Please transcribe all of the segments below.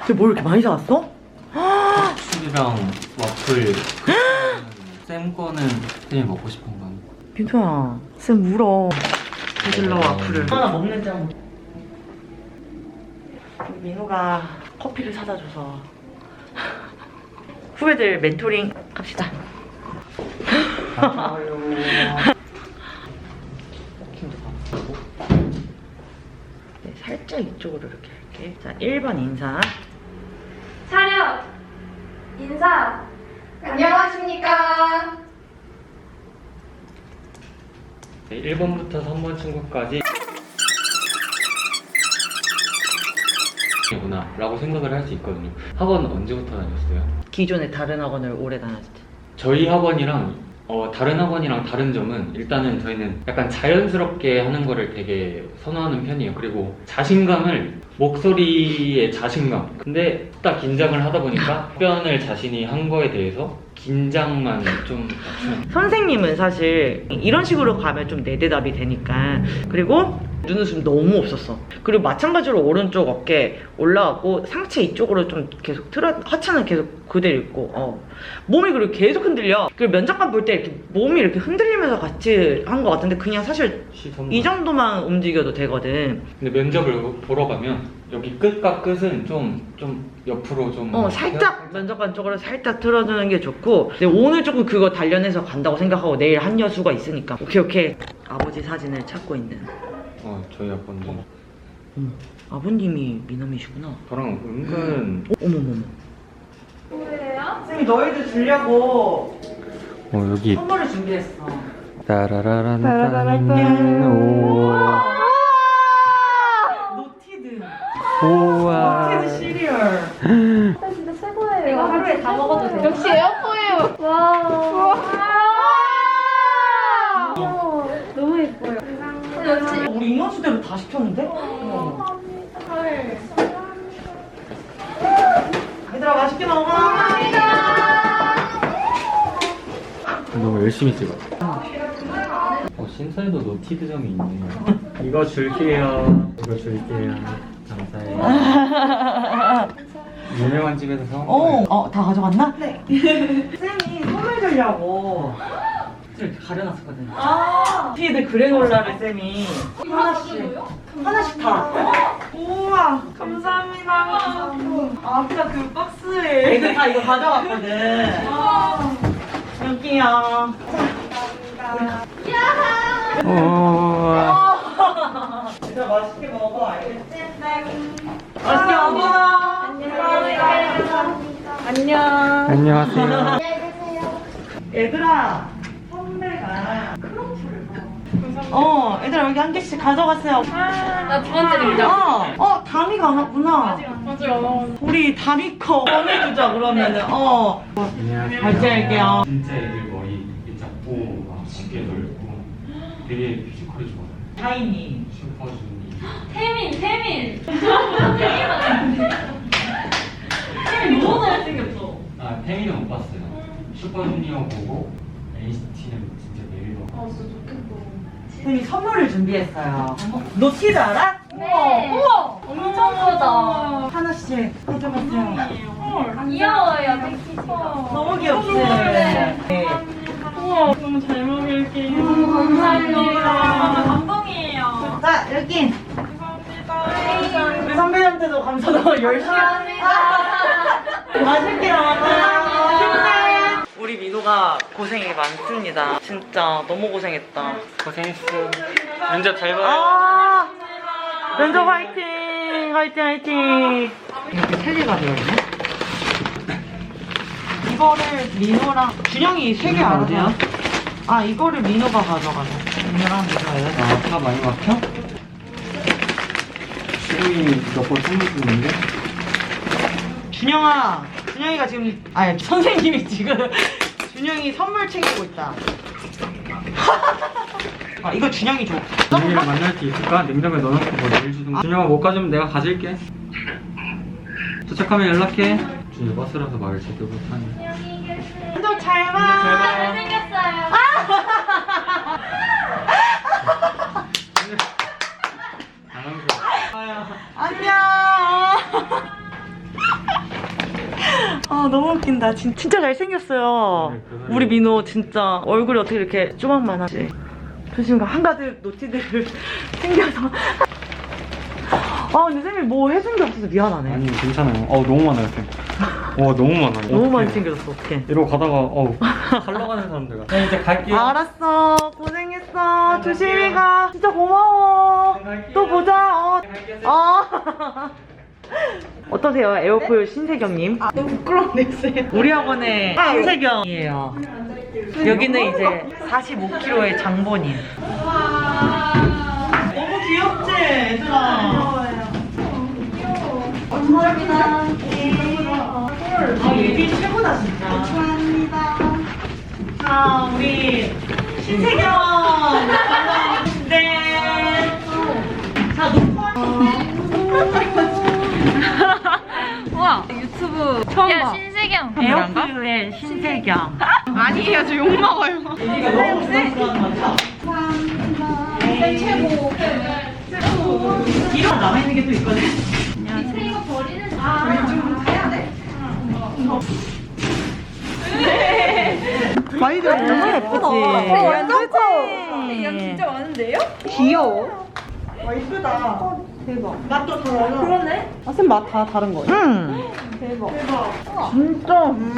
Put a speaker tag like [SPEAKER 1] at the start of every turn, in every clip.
[SPEAKER 1] 근데 뭘 이렇게 많이 사왔어?
[SPEAKER 2] 술이랑 와플. 쌤 거는 쌤이 먹고 싶은 건.
[SPEAKER 1] 민서야, 쌤 울어. 베질러 와플을 하나 먹는지 한번. 민호가 커피를 사다 줘서 후배들 멘토링 갑시다. 네, 살짝 이쪽으로 이렇게 할게. 자, 1번 인사.
[SPEAKER 3] 차렷! 인사! 안녕하십니까?
[SPEAKER 2] 1번부터 3번 친구까지 구나 라고 생각을 할 수 있거든요. 학원 언제부터 다녔어요?
[SPEAKER 1] 기존에 다른 학원을 오래 다녔을 때.
[SPEAKER 2] 저희 학원이랑 다른 학원이랑 다른 점은 일단은 저희는 약간 자연스럽게 하는 거를 되게 선호하는 편이에요. 그리고 자신감을, 목소리의 자신감. 근데 딱 긴장을 하다 보니까 답변을 자신이 한 거에 대해서 긴장만 좀
[SPEAKER 1] 선생님은 사실 이런 식으로 가면 좀 내대답이 되니까. 그리고 눈웃음 너무 없었어. 그리고 마찬가지로 오른쪽 어깨 올라가고 상체 이쪽으로 좀 계속 하체는 계속 그대로 있고 몸이 그리고 계속 흔들려. 그리고 면접관 볼 때 이렇게 몸이 이렇게 흔들리면서 같이 한 것 같은데 그냥 사실
[SPEAKER 2] 시선만.
[SPEAKER 1] 이 정도만 움직여도 되거든.
[SPEAKER 2] 근데 면접을 보러 가면 여기 끝과 끝은 좀 옆으로 좀
[SPEAKER 1] 살짝 면접관 쪽으로 살짝 틀어주는 게 좋고. 근데 오늘 조금 그거 단련해서 간다고 생각하고 내일 한 여수가 있으니까 오케이. 아버지 사진을 찾고 있는.
[SPEAKER 2] 저희 아빠는
[SPEAKER 1] 아버님이 미남이시구나.
[SPEAKER 2] 저랑 은근
[SPEAKER 1] 어머머머.
[SPEAKER 3] 뭐예요?
[SPEAKER 1] 쌤이 너희들 주려고
[SPEAKER 2] 여기
[SPEAKER 1] 선물을 준비했어.
[SPEAKER 2] 따라라란
[SPEAKER 1] 노티드.
[SPEAKER 2] 우와
[SPEAKER 1] 노티드 시리얼.
[SPEAKER 3] 진짜 최고예요. 이거 하루에 다 먹어도 돼요. 역시 에어포예요. 와. 귀여워. 너무 예뻐요. 역시.
[SPEAKER 1] 우리 인원수대로 다 시켰는데?
[SPEAKER 3] 헐.
[SPEAKER 1] 얘들아 맛있게 먹어.
[SPEAKER 2] 너무 열심히 찍었어. 신사에도 노티드점이 있네요. 이거 줄게요. 이거 줄게요. 감사해요. 유명한 집에서 사온 거예요.
[SPEAKER 1] 다 가져갔나? 네. 쌤이 선물 주려고 이렇게 가려놨었거든. 노티드 그래놀라를 쌤이 하나씩 다. 우와, 감사합니다. 아까 그 박스에 애들 다 이거 가져갔거든. 여기요.
[SPEAKER 2] 우와.
[SPEAKER 1] 얘들아 맛있게 먹어, 알겠지? 맛있게 먹어. 안녕.
[SPEAKER 2] 안녕하세요.
[SPEAKER 1] 얘들아, 선배가 크로플을 얘들아 여기 한 개씩 가져갔어요.
[SPEAKER 3] 나 두 번째 등장.
[SPEAKER 1] 다미가 안 왔구나.
[SPEAKER 3] 맞아요.
[SPEAKER 1] 우리 다미 거 보내주자 그러면은.
[SPEAKER 2] 안녕하세요.
[SPEAKER 1] 발제할게요.
[SPEAKER 2] 진짜 애들 머리 작고 막 쉽게 넓고 되게 피지컬이 좋아요.
[SPEAKER 1] 다이니.
[SPEAKER 2] 슈퍼주니.
[SPEAKER 3] 태민. 태민 너무 잘생겼어.
[SPEAKER 2] 태민은 못 봤어요. 슈퍼주니어 보고 NCT는 진짜 매일 봐.
[SPEAKER 3] 진짜 좋겠다.
[SPEAKER 1] 쌤이 선물을 준비했어요. 노티드 알아?
[SPEAKER 3] 네. 우와. 엄청 크다.
[SPEAKER 1] 하나씩 가져갔어요.
[SPEAKER 3] 귀여워요, 패키지가.
[SPEAKER 1] 너무 귀엽지? 네.
[SPEAKER 3] 우와, 너무 잘 먹을게요. 감사합니다. 감동이에요.
[SPEAKER 1] 자, 여기.
[SPEAKER 3] 감사합니다.
[SPEAKER 1] 우리 선배님한테도 감사하고 열심히. 맛있게 먹어요. 우리 민호가 고생이 많습니다. 진짜 너무 고생했다.
[SPEAKER 2] 고생했어. 면접 잘 봐요.
[SPEAKER 1] 면접 화이팅! 화이팅! 이렇게 세 개가 들어있네? 이거를 민호랑 준영이 3개 알아요? 이거를 민호가 가져가네. 민호랑 민호예요.
[SPEAKER 2] 다 많이 막혀? 지금이 몇번 선물 주는데?
[SPEAKER 1] 준영이가 지금 선생님이 지금 준영이 선물 챙기고 있다. 이거 준영이 줘.
[SPEAKER 2] 준영이를 만날 수 있을까? 냉장고에 넣어놓고 뭐 내일 주든가. 준영아 못 가지면 내가 가질게. 도착하면 연락해. 준영이 버스라서 말을 제대로 못하네.
[SPEAKER 1] 면접 잘 봐.
[SPEAKER 3] 잘생겼어요.
[SPEAKER 2] 당황스러워.
[SPEAKER 1] 안녕. 아 너무 웃긴다. 진짜 잘생겼어요.
[SPEAKER 2] 네, 그거는-
[SPEAKER 1] 우리 민호 진짜 얼굴이 어떻게 이렇게 조각만하지? 조심가 한가득 노티들을 챙겨서. 아 근데 쌤이 뭐 해준 게 없어서 미안하네.
[SPEAKER 2] 아니 괜찮아요. 너무 많아요 쌤. 와 너무 많아요.
[SPEAKER 1] 너무 많이
[SPEAKER 2] 어떡해.
[SPEAKER 1] 챙겨줬어. 어떡해.
[SPEAKER 2] 이러고 가다가 잘 나가는 사람들. 네 이제 갈게요.
[SPEAKER 1] 알았어. 고생했어. 조심히 가. 진짜 고마워.
[SPEAKER 2] 갈게요.
[SPEAKER 1] 또 보자.
[SPEAKER 2] 갈게요, 쌤.
[SPEAKER 1] 어떠세요? 에어포유 신세경님?
[SPEAKER 3] 너무 부끄럽네, 쌤.
[SPEAKER 1] 우리 학원의 신세경이에요. 여기는 이제 45kg의 장본인. 너무 귀엽지, 얘들아?
[SPEAKER 3] 감사합니다.
[SPEAKER 1] 아, 얘기 최고다, 진짜.
[SPEAKER 3] 감사합니다.
[SPEAKER 1] 자, 우리 신세경. 네. 자,
[SPEAKER 3] 우와, 유튜브 처음 봐.
[SPEAKER 4] 신세경.
[SPEAKER 1] 에어포유의 신세경.
[SPEAKER 3] 아니에요, 저 욕먹어요.
[SPEAKER 1] 얘기가 너무 부담스러운 것 같아.
[SPEAKER 3] 쌤 최고.
[SPEAKER 1] 이런 남아있는 게 또 있거든.
[SPEAKER 3] 이거 버리는 좀 해야 돼?
[SPEAKER 1] 많이 들어. 너무 예쁘지.
[SPEAKER 3] 완전 커. 양 진짜 많은데요? 귀여워. 와, 이쁘다. 대박. 맛도 달라. 그러네.
[SPEAKER 1] 아, 쌤 맛 다 다른 거예요?
[SPEAKER 3] 대박.
[SPEAKER 1] 진짜.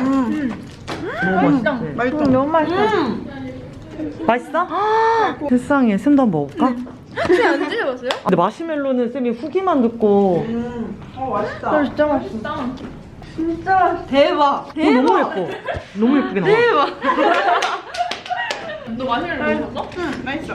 [SPEAKER 1] 너무 맛있지?
[SPEAKER 3] 맛있다. 너무 맛있어.
[SPEAKER 1] 맛있어? 세상에, 쌤도 한번 먹어볼까?
[SPEAKER 3] 혹시 안 드셔봤어요?
[SPEAKER 1] 근데 마시멜로는 쌤이 후기만 듣고
[SPEAKER 3] 맛있다. 진짜 맛있어. 진짜 대박.
[SPEAKER 1] 너무 예뻐. 너무 예쁘게 나와.
[SPEAKER 3] 대박. 너 마시멜로 먹었어? 응, 맛있어.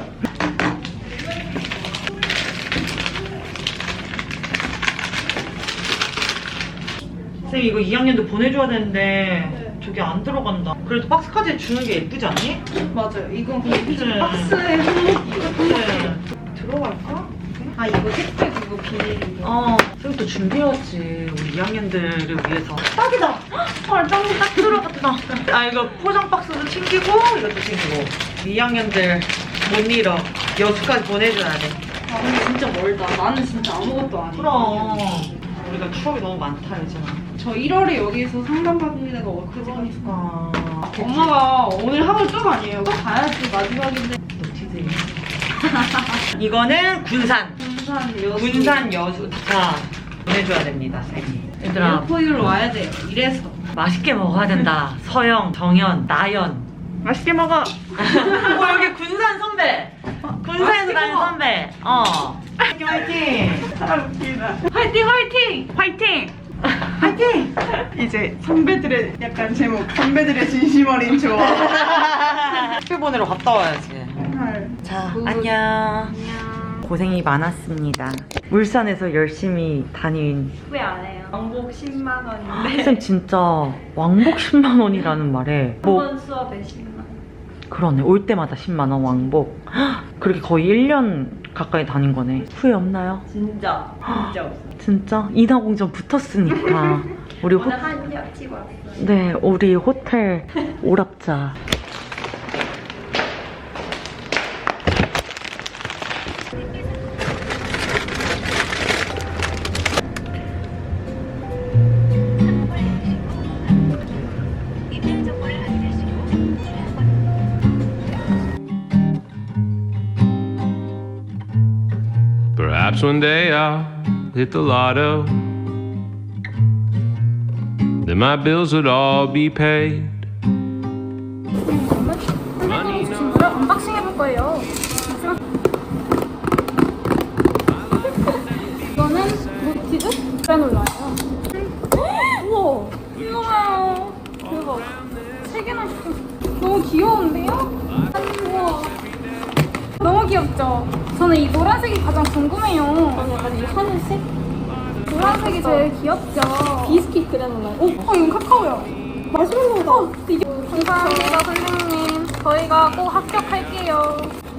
[SPEAKER 1] 쌤 이거 2학년도 보내줘야 되는데 저게 안 들어간다. 그래도 박스까지 주는 게 예쁘지 않니?
[SPEAKER 3] 맞아요. 이건 그냥
[SPEAKER 1] 그치?
[SPEAKER 3] 박스에 한목이에요.
[SPEAKER 1] 그래.
[SPEAKER 3] 들어갈까? 아, 이거 택배 그거 비닐이고.
[SPEAKER 1] 쌤 또 준비해왔지. 우리 2학년들을 위해서. 딱이다. 헐, 딱 들어갔다. 아 이거 포장 박스도 챙기고 이것도 챙기고. 2학년들 못 잃어. 여수까지 보내줘야 돼.
[SPEAKER 3] 아, 근데 진짜 멀다. 나는 진짜 아무것도 아니야.
[SPEAKER 1] 그럼. 우리가 추억이 너무 많다 이제는.
[SPEAKER 3] 저 1월에 여기서 상담받는 데가 어떡하니까.
[SPEAKER 1] 아,
[SPEAKER 3] 엄마가 오늘 하루 쭉 아니에요. 또 가야지 마지막인데.
[SPEAKER 1] 노티드. 이거는 군산. 군산 여수. 자, 보내줘야 됩니다, 쌤이. 얘들아,
[SPEAKER 3] 에어포유로 와야 돼요. 이래서.
[SPEAKER 1] 맛있게 먹어야 된다. 서영, 정연, 나연. 맛있게 먹어. 여기 군산 선배. 군산 선배. 화이팅, 화이팅.
[SPEAKER 3] 화이팅 화이팅! 화이팅!
[SPEAKER 1] 화이팅.
[SPEAKER 5] 이제 선배들의 약간 제목 선배들의 진심 어린 조언.
[SPEAKER 1] 학교 보내러 갔다 와야지. 자, 안녕.
[SPEAKER 3] 안녕.
[SPEAKER 1] 고생이 많았습니다. 울산에서 열심히 다닌
[SPEAKER 3] 후회 안 해요. 왕복 10만 원인데.
[SPEAKER 1] 쌤 진짜 왕복 10만 원이라는 말에 뭐
[SPEAKER 3] 한 수업에 10만 원.
[SPEAKER 1] 그러네. 올 때마다 10만 원 왕복. 그렇게 거의 1년 가까이 다닌 거네. 후회 없나요?
[SPEAKER 3] 진짜 없어.
[SPEAKER 1] 진짜? 인하공전 붙었으니까. 우리
[SPEAKER 3] 오늘 한 협 치고 왔어.
[SPEAKER 1] 네, 우리 호텔 오랍자.
[SPEAKER 6] Perhaps one day I'll hit the lotto. Then my bills would all be paid.
[SPEAKER 4] 언박싱 해볼 거예요. 이거는 노티드 그라놀라예요. 우와, 이거 봐요. 대박. 3개나 시켰어. 너무 귀여운데요? 우와. 너무 귀엽죠? 저는 이 노란색이 가장 궁금해요. 약간 이 하늘색? 노란색이 제일 귀엽죠? 비스킷 그라놀라. 이건 카카오야. 마시멜로우다. 이게 감사합니다, 선생님. 저희가 꼭 합격할게요.